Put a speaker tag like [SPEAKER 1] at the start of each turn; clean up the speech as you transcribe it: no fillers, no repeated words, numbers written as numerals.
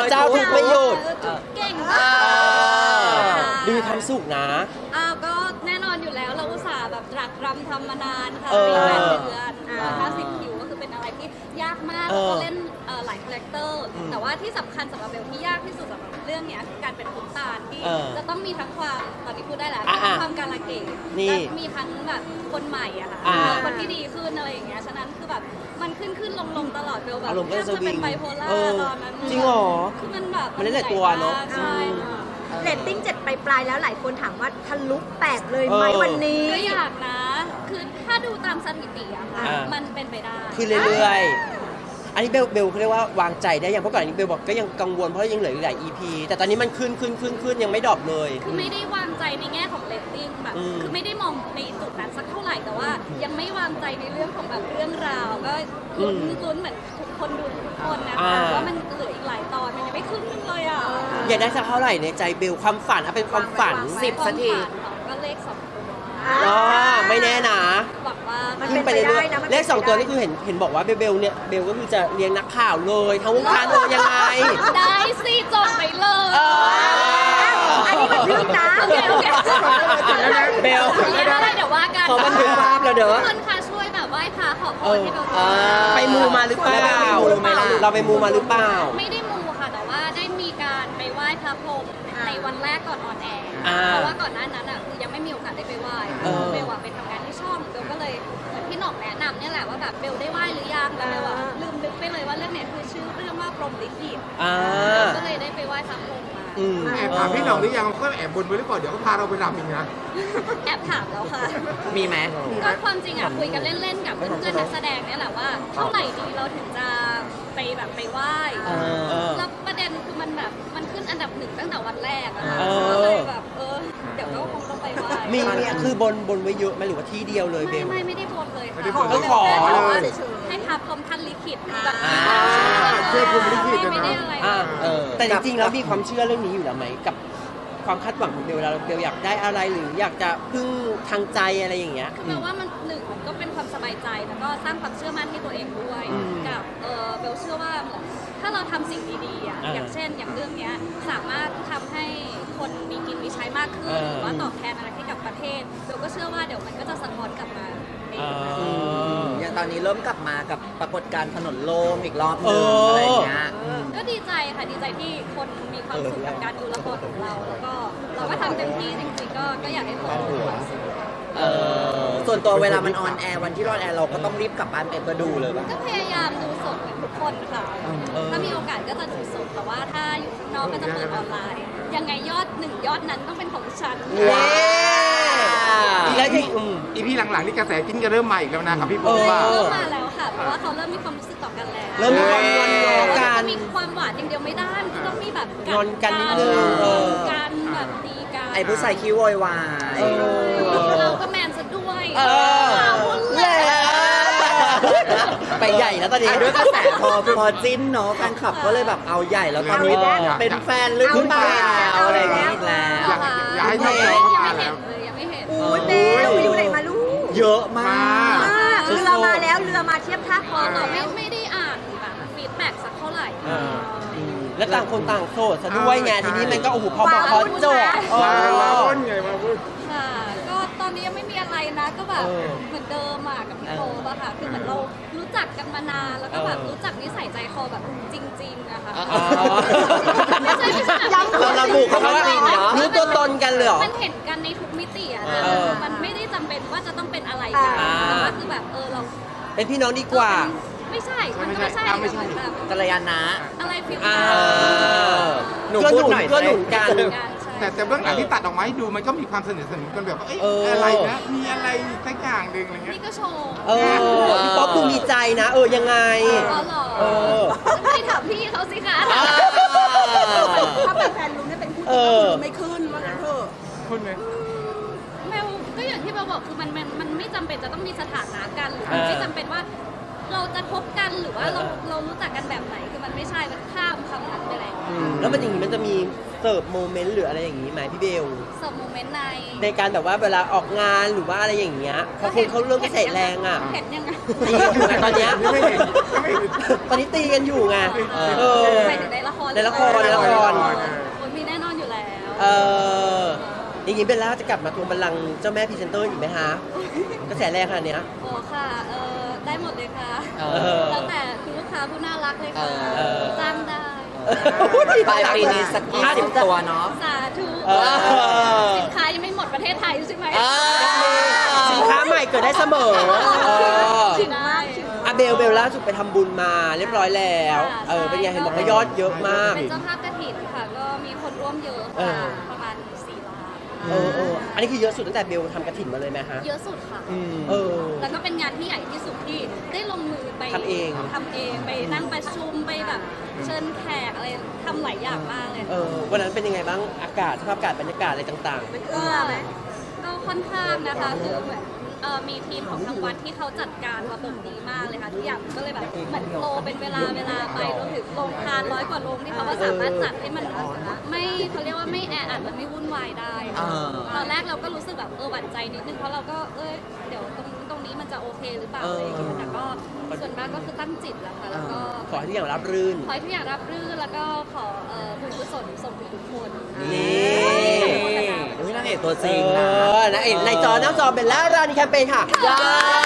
[SPEAKER 1] เจ้าทุกไม่หยุด
[SPEAKER 2] เก่ง
[SPEAKER 1] ดูมีความสุขนะ
[SPEAKER 2] ก็แน่นอนอยู่แล้วเราอุตส่าห์แบบตรักตรำทำมานานค่ะ
[SPEAKER 1] เออ
[SPEAKER 2] ปี8 เดือน50 คิวก็คือเป็นอะไรที่ยากมากแล้วก็เล่นหลายคาแรคเตอร์แต่ว่าที่สำคัญสำหรับเบลที่ยากที่สุดสำหรับเรื่องเนี้ยคือการเป็นคุณตาลที่จะต้องมีทั้งความตอนนี้พูดได้แล้วมีทั้งความการละเกดและมีทั้งแบบคนใหม่อะค่ะคนที่ดีขึ้นอะไรอย่างเงี้ยฉะนั้นคือแบบมันขึ้นลงตลอดเบลแบบแทบจะเป็นไบโพล่าตอนนั้น
[SPEAKER 1] จริงเหรอ
[SPEAKER 2] คือมันแบบ
[SPEAKER 1] มันเล่นหลายตัวเนอะ
[SPEAKER 2] ใช่
[SPEAKER 3] เรตติ้ง7ปลายๆแล้วหลายคนถามว่าทะลุ8เลยไหมวันนี้
[SPEAKER 2] ก็อยากนะ คือถ้าดูตามสถิติอะค่ะ มันเป็นไปได้
[SPEAKER 1] คือเรื่อยๆ อันนี้เบลเขาเรียกว่าวางใจได้ยังเพราะก่อนอันนี้เบลบอกก็ยังกังวลเพราะยังเหลืออีกหลาย EP แต่ตอนนี้มันขึ้นยังไม่ดรอปเลย
[SPEAKER 2] คือไม่ได้วางใจในแง่ของเรตติ้งแบบ คือไม่ได้มองในจุดนั้นสักเท่าไหร่แต่ว่ายังไม่วางใจในเรื่องของแบบเรื่องราว ก็ลุ้นเหมือนทุกคนดูทุกคนนะคะว่ามันเหลืออีกหลายตอนมันยังไม่ขึ้นเลยอ่ะ
[SPEAKER 1] อยากได้สักเท่าไหร่ในใจเบลความฝันเป็นความฝัน
[SPEAKER 2] 10 นาทีก็เลข2 ตัว
[SPEAKER 1] อ๋อไม่แน่นะ
[SPEAKER 2] หวังว่า
[SPEAKER 3] มัน
[SPEAKER 1] ขึ้นไปเรื่อยๆเลข2 ตัวนี่คือเห็นบอกว่าเบลเนี่ยเบลก็คือจะเลี้ยงนักข่าวเลยทั้งวงการเลยยังไง
[SPEAKER 2] ได้สิจดไปเลย
[SPEAKER 3] อันนี้มันพึ่งนะ
[SPEAKER 2] โอเค
[SPEAKER 1] เบล
[SPEAKER 2] ไม่ได้เดี๋ยวว่ากัน
[SPEAKER 1] ขอบันทึกภาพแล้วเด้อ
[SPEAKER 2] ทุกคนค่ะช่วยแบบไหว้พระขอพรให้เบล
[SPEAKER 1] ไปมูมาหรือเปล่าเราไปมูมาหรือเปล่า
[SPEAKER 2] ไม่ได้มูค่ะแต่ว่าได้มีการไปไหว้พระพรหมในวันแรกก่อนออนแอร์
[SPEAKER 1] อ่า
[SPEAKER 2] เพราะว่าก่อนหน้านั้นอ่ะคือยังไม่มีโอกาสได้ไปไหว้เบลอะไปทำงานที่ช่องเบลก็เลยเหมือนพี่หน่องแนะนำเนี่ยแหละว่าแบบเบลได้ไหว้หรือยังแล้วเบลอะลืมนึกไปเลยว่าเรื่องเนี้ยคือชื่อเรื่องว่าพรหมลิขิตก็เลยได้ไปไหว้พระพรหมมา
[SPEAKER 4] แอบถามพี่หน่องหรือยังก็แอบบนไว้หรือเปล่าเดี๋ยวเขาพาเราไปรำอีกนะ
[SPEAKER 2] แอบถามแล้วค่ะ
[SPEAKER 1] มีไหม
[SPEAKER 2] ก็ความจริงอ่ะคุยกันเล่นๆกับเพื่อนๆนักแสดงเนี่ยแหละว่าเท่าไหร่ดีเราถึงจะไปแบบไปไหว้แล้วประเด็นคือมันแบบมันขึ้นอันดับ1ตั้งแต่วันแรกอะก็เลยแบบเดี๋ยวก็คงต้องไปไหว้
[SPEAKER 1] มีคือบนไว้เยอะไหมหรือว่าที่เดียวเลยเบล
[SPEAKER 2] ไม่ได้บนเลยค่ะ
[SPEAKER 1] ก็ขอ
[SPEAKER 2] ให้พระพรหมท่านลิขิตแบบ
[SPEAKER 4] ช่วยพรหมลิขิตนะ
[SPEAKER 2] ไม่ได้อะไร
[SPEAKER 1] แต่จริงๆแล้วมีความเชื่อเรื่องนี้อยู่แล้วไหมกับความคาดหวังของเบลเวลาเบลอยากได้อะไรหรืออยากจะพึ่งทางใจอะไรอย่างเงี้ย
[SPEAKER 2] คือแปลว่ามันหนึ่งมันก็เป็นความสบายใจแล้วก็สร้างความเชื่อมั่นให้ตัวเองด้วยกับเบลเชื่อว่าเหมือนถ้าเราทำสิ่งดีๆอ่ะอย่างเช่นอย่างเรื่องเนี้ยสามารถทำให้คนมีกินมีใช้มากขึ้นหรือว่าตอบแทนอะไรให้กับประเทศเบลก็เชื่อว่าเดี๋ยวมันก็จะสะท้อนกลับมาเอง
[SPEAKER 5] อย่างตอนนี้เริ่มกลับมากับปรากฏการณ์ถนนโล่งอีกรอบหนึงอะไรอย่างเงี้ย
[SPEAKER 2] ก็ดีใจค่ะดีใจที่คนมีความสุขกับการดูละครของเราแล้วก็เราก็ทำเต็มที่จริงๆก็อยากให้ทุกคนมีความสุข
[SPEAKER 5] ส่วนตัวเวลามันออนแอร์วันที่ออนแอร์เราก็ต้องรีบกลับบ้านไปเพื่อดูเลยป่ะ
[SPEAKER 2] ก็พยายามดูสดเหมือนทุกคนค่ะ ถ้ามีโอกาสก็จะดูสดแต่ว่าถ้าอยู่ข้างนอกก็จะเปิดออนไลน์ ยังไงยอด1 ยอดนั้นต้องเป็นของฉัน
[SPEAKER 1] แล้วที่
[SPEAKER 4] อีพีหลังๆนี่กระแสจิ้นก็เริ่มมาอีกแล้วนะกับพี่โป๊ว่า
[SPEAKER 2] เริ่มมาแล้วค่ะ เพราะว่าเขาเริ่มมีความรู้สึกต่อกันแล้ว
[SPEAKER 1] เริ่มมีความงอน
[SPEAKER 2] แต่
[SPEAKER 1] กั
[SPEAKER 2] ว่าน จะมีความหวานอย่างเดียวไม่ได้มันจะต้องมีแบบ
[SPEAKER 1] งอนกันนิดนึง
[SPEAKER 2] การแบบตีกัน
[SPEAKER 5] ไอ้ผู้ชายคิ้วโวยวาย
[SPEAKER 2] เราก็แมนซะด้วย
[SPEAKER 1] แหละไปใหญ่แล้วตอนนี้
[SPEAKER 5] ด้วยกระแสพอจิ้นเนาะแฟนคลับก็เลยแบบเอาใหญ่แล้วตอนนี้เป็นแฟนหรือเปล่าอะไรอย่างเงี้ยอีกแล้ว
[SPEAKER 4] อยากให้ช่อง
[SPEAKER 2] ยั
[SPEAKER 4] เรา
[SPEAKER 2] ง
[SPEAKER 4] เข้า
[SPEAKER 2] ไม่
[SPEAKER 4] มา
[SPEAKER 2] เห็
[SPEAKER 4] แล้
[SPEAKER 2] น
[SPEAKER 4] ว
[SPEAKER 2] เลยยังไม่เห็น
[SPEAKER 3] โอ้ยเบลไปอยู่ไหนมาลูก
[SPEAKER 5] เยอะมาก
[SPEAKER 3] เรือมาแล้วเรือมาเทียบท่าค
[SPEAKER 2] พ
[SPEAKER 3] อ
[SPEAKER 2] อเรา
[SPEAKER 3] แล้ว
[SPEAKER 2] ไม่ได้อ่านแบบฟีดแบ็กสักเท่าไหร่
[SPEAKER 1] แล้วต่างคนต่างโสดซะด้วยไงทีนี้มันก็โอ้โหพอบอกพอจบ
[SPEAKER 4] มาพูดไงมาพูด
[SPEAKER 2] ค่ะ ก็ตอนนี้ยังไม่มีอะไรนะ ก็แบบเหมือนเดิมอ่ะกับพี่โตป่ะค่ะ คือเหมือนเรารู้จักกันมานาน แล้วก็แบบรู้จักนิสัยใจคอแบบจริงๆนะคะไม่ใช่
[SPEAKER 1] เราระบุเขาว่ารู้ตัวตนกันเลยเหรอ
[SPEAKER 2] มันเห็นกันในทุกมิติอะนะมันไม่ได้จำเป็นว่าจะต้องเป็นอะไรกันแต่ว่าคือแบบเรา
[SPEAKER 1] เป็นพี่น้องดีกว่า
[SPEAKER 2] ไม่ใช่ มันก็ไม่ใช่เหมือนแบบ
[SPEAKER 5] กัลยาณะ
[SPEAKER 2] อะไรฟิล
[SPEAKER 5] หนูพูดหน่อย
[SPEAKER 1] ก็หนุนกัน
[SPEAKER 4] แต่เบื้องหลังที่ตัดออกมาให้ดูมันก็มีความสนิทสนมกันแบบว่าอะไรนะมีอะไรสักอย่างหนึ่งอะไรเงี้ย
[SPEAKER 2] นี่ก็โชว์
[SPEAKER 1] พี่ป๊อปดูมีใจนะยังไง
[SPEAKER 2] อ๋อเหรอไม่ถามพี่เขาสิคะ
[SPEAKER 3] ถ้าเป็นแฟนลุงเนี่ยเป็นคู่จิ้นก็คือไม่ขึ้นว่างั้นเถอะ
[SPEAKER 4] คุณไง
[SPEAKER 2] แมวก็อย่างที่เราบอกคือมันไม่จำเป็นจะต้องมีสถานะกันหรือมันไม่จำเป็นว่า เราจะคบกันหรือว่าเรารู้จักกันแบบไหนคือมันไม่ใช่มันข้ามคำนั้นไปแล้ว
[SPEAKER 1] แล้วมันอย่างนี้มันจะมีเสิร์ฟโมเมนต์หรืออะไรอย่างนี้ไหมพี่เบล
[SPEAKER 2] เสิร์ฟโมเมนต์ใน
[SPEAKER 1] ในการแบบว่าเวลาออกงานหรือว่าอะไรอย่างเงี้ยพอคนเขาเริ่มกระแสแรงอ่ะ
[SPEAKER 2] เห็นยังไง
[SPEAKER 1] ตีกันอยู่ไงตอนเนี้ย
[SPEAKER 4] ไม่เห็นไม่เห็น
[SPEAKER 1] ตอนนี้ตีกันอยู่ไงเออ
[SPEAKER 2] ไปถึงในละคร
[SPEAKER 1] ในละครในละคร
[SPEAKER 2] โอ้ยมีแน่นอนอยู่แล้ว
[SPEAKER 1] เอออย่างนี้เบลล่าจะกลับมาทวงบัลลังก์เจ้าแม่พรีเซนเตอร์อีกไหมฮะกระแสแรงขนาดเนี้ย
[SPEAKER 2] โอ้ค่ะได้หมดเลยค่ะ
[SPEAKER 1] เออ
[SPEAKER 2] แล้วแต่คุณลูกค้าผู้น่ารักเลยค่ะ
[SPEAKER 1] เออ
[SPEAKER 2] จ้างได้
[SPEAKER 5] ปลายปีนี้สัก20 ตัวเนาะ
[SPEAKER 2] สาธุ
[SPEAKER 1] เออ
[SPEAKER 2] สินค้ายังไม่หมดประเทศไทยใช่ไหม
[SPEAKER 1] สินค้าใหม่เกิดได้เสมอเออ
[SPEAKER 2] ชิมได้
[SPEAKER 1] อะเบลล่าสุดไปทำบุญมาเรียบร้อยแล้วเป็นไงเห็นบอกว่ายอดเยอะมาก
[SPEAKER 2] เป็นเจ้าภาพกฐินค่ะ ก็มีคนร่วมเยอะ
[SPEAKER 1] เอ
[SPEAKER 2] ค่ะ
[SPEAKER 1] อ
[SPEAKER 2] ประมาณ4 ล้าน
[SPEAKER 1] อันนี้คือเยอะสุดตั้งแต่เบลทำกระถิ่นมาเลยไหมฮะ
[SPEAKER 2] เยอะสุดค่ะ
[SPEAKER 1] เออ
[SPEAKER 2] แล้วก็เป็นงานที่ใหญ่ที่สุดที่ได้ลงมือไป
[SPEAKER 1] ทำเอง
[SPEAKER 2] ไปนั่งประชุมไปแบบเชิญแขกอะไรทำหลายอย่างมากเลย
[SPEAKER 1] วันนั้นเป็นยังไงบ้างอากาศสภาพอากาศบรรยากาศอะไรต่าง
[SPEAKER 2] ก็ค่อนข้างนะคะคือเหมือนมีทีมของทางวัดที่เขาจัดการระบบดีมากเลยค่ะทุกอย่างก็เลยแบบเหมือนโตเป็นเวลาไปรวมถึงโรงทาน100 กว่าโรงที่เขาก็สามารถจัดให้มันไม่เขาเรียกว่าไม่แออัดและไม่วุ่นวายได้ตอนแรกเราก็รู้สึกแบบหวั่นใจนิดนึงเพราะเราก็เดี๋ยวตรงนี้มันจะโอเคหรือเปล่าอะไรอย่างเงี้ยแต่ก็ส่วนมากก็คือตั้งจิตแล้วค่ะแล้วก็
[SPEAKER 1] ๆ ขอให้ทุกอย่างรับรื่น
[SPEAKER 2] ขอให้ทุกอย่างรับรื่นแล้วก็ขอบุญกุศลส่งถึงทุกคน
[SPEAKER 1] นี่
[SPEAKER 5] อุ้ยนางเอกตัวจริงนะ
[SPEAKER 1] นะเอกในจอหน้าจอเป็นแล้วรานีแคมเปญค่ะ